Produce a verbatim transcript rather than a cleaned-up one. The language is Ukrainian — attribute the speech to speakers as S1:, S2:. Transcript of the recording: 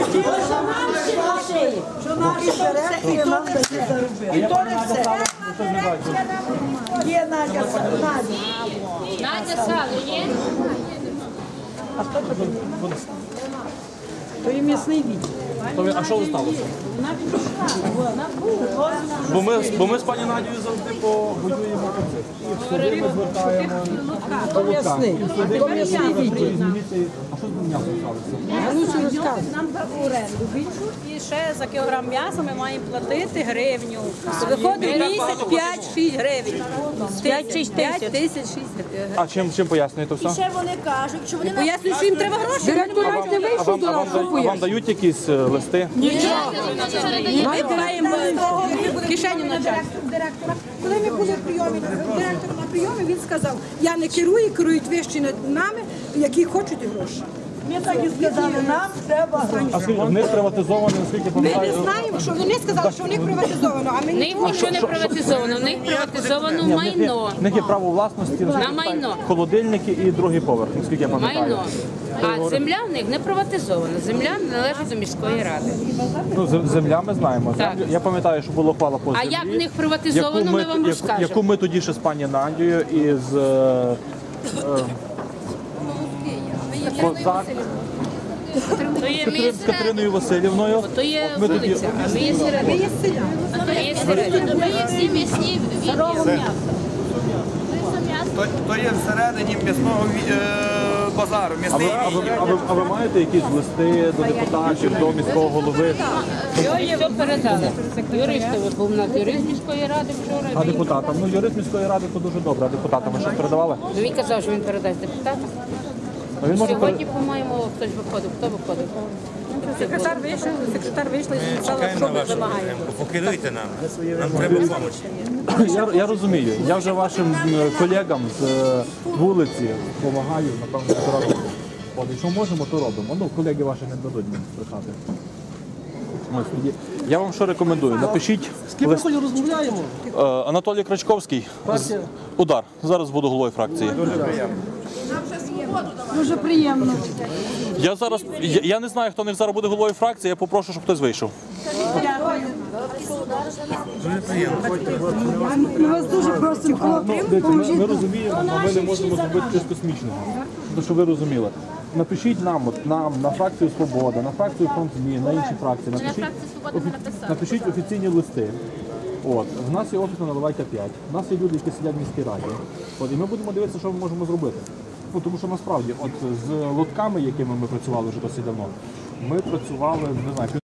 S1: Що наші беремо, і то не все. І то не все. Є Надя, Надя.
S2: Надя сало є?
S1: А хто це? То є м'ясний відділ.
S3: А що ви сталося? Бо ми, бо ми з пані Надією завжди воюємо концерт. І ми звертаємо
S1: То м'ясний. То м'ясний відділ.
S3: А що з м'ясом сталося?
S1: Галусю розказує.
S4: Нам дав оренду більшу і ще за кілограм м'яса ми маємо платити гривню. Виходить місяць п'ять-шість гривень. п'ять-шість тисяч.
S3: А чим, чим пояснюєте все?
S4: Ще вони кажуть, що вони пояснюють, що їм треба гроші.
S1: Директор навіть не
S3: А
S1: вийшов
S3: вам,
S1: до
S3: а вам,
S1: нас,
S3: да-
S1: що
S3: а вам
S1: пояснює.
S3: дають якісь е, листи?
S4: Ми маємо в кишеню начальства.
S5: Директора. Коли ми були в прийомі, директор на прийомі, він сказав, я не керую, керують вищі над нами, які хочуть гроші.
S1: Ми так і сказали, нам треба гроші.
S3: А скільки в них приватизовано, наскільки
S5: Ми
S3: пам'ятаю?
S5: не знаємо, що вони сказали, що у них приватизовано, а ми
S2: В них
S5: нічого.
S2: нічого не приватизовано, в них приватизовано
S3: Ні, в них є-
S2: майно.
S3: в них є право власності, наскільки
S2: На майно.
S3: холодильники і другий поверх, наскільки я пам'ятаю.
S2: Майно. А земля в них не приватизована. Земля належить до міської ради.
S3: Ну, з- земля ми знаємо.
S2: Так.
S3: Землю- Я пам'ятаю, що було хвала по
S2: А
S3: землі.
S2: як в них приватизовано,
S3: яку
S2: ми вам
S3: яку-
S2: розкажемо.
S3: Яку ми тоді ще з пані Надією і з е, е, Козак,
S2: То є
S3: з
S2: місце,
S3: Катериною Васильівною.
S2: то є
S3: Ми тоді-
S2: вулиця, а ми є середина. А то є середина. Ми є всі м'ясні відділи.
S6: То, то є всередині м'ясного ві- е, базару,
S3: А
S6: м'ясний
S3: ви, а, ви,
S6: відділ.
S3: а, ви, а ви маєте якісь листи до депутатів, до міського голови?
S2: Його все передали. Юристові був на юрист міської ради вчора.
S3: А депутатам? Ну, юрист міської ради то дуже добре. А депутатам ви щось передавали?
S2: Ну, він казав, що він передасть депутатам.
S3: А він може
S2: Сьогодні, по-моєму, хтось виходив. Хто виходив?
S4: Секретар вийшов, секретар вийшла і сказала, що ми вимагаємо.
S6: Покеруйте нам. Нам треба допомогти.
S3: Я, я розумію. Я вже вашим е, колегам з е, вулиці допомагаю, напевно, зразу. От, якщо можемо, то робимо. Ну, колеги ваші не дадуть мені брехати. Ось тоді. Я вам що рекомендую? Напишіть лист.
S1: розмовляємо.
S3: Е, Анатолій Крачковський. З... Удар. Зараз буду головою фракції.
S1: Дуже приємно.
S3: Я зараз я, я не знаю, хто не зараз буде головою фракції. Я попрошу, щоб хтось вийшов.
S1: Ми вас дуже просимо, хлопці,
S3: Дивіться, ми,
S1: поможіть
S3: ми
S1: нам.
S3: розуміємо, але ми не можемо зробити щось космічного. Тому що ви розуміли. Напишіть нам, от, нам, на фракцію «Свобода», на фракцію «Фронт змін», на інші фракції. Напишіть, офі- напишіть офіційні листи. От, в нас є офіс на Наливайка п'ять, в нас є люди, які сидять в міській раді. От, і ми будемо дивитися, що ми можемо зробити. Ну, тому що насправді, от з лотками, якими ми працювали вже досить давно, ми працювали, не знаю,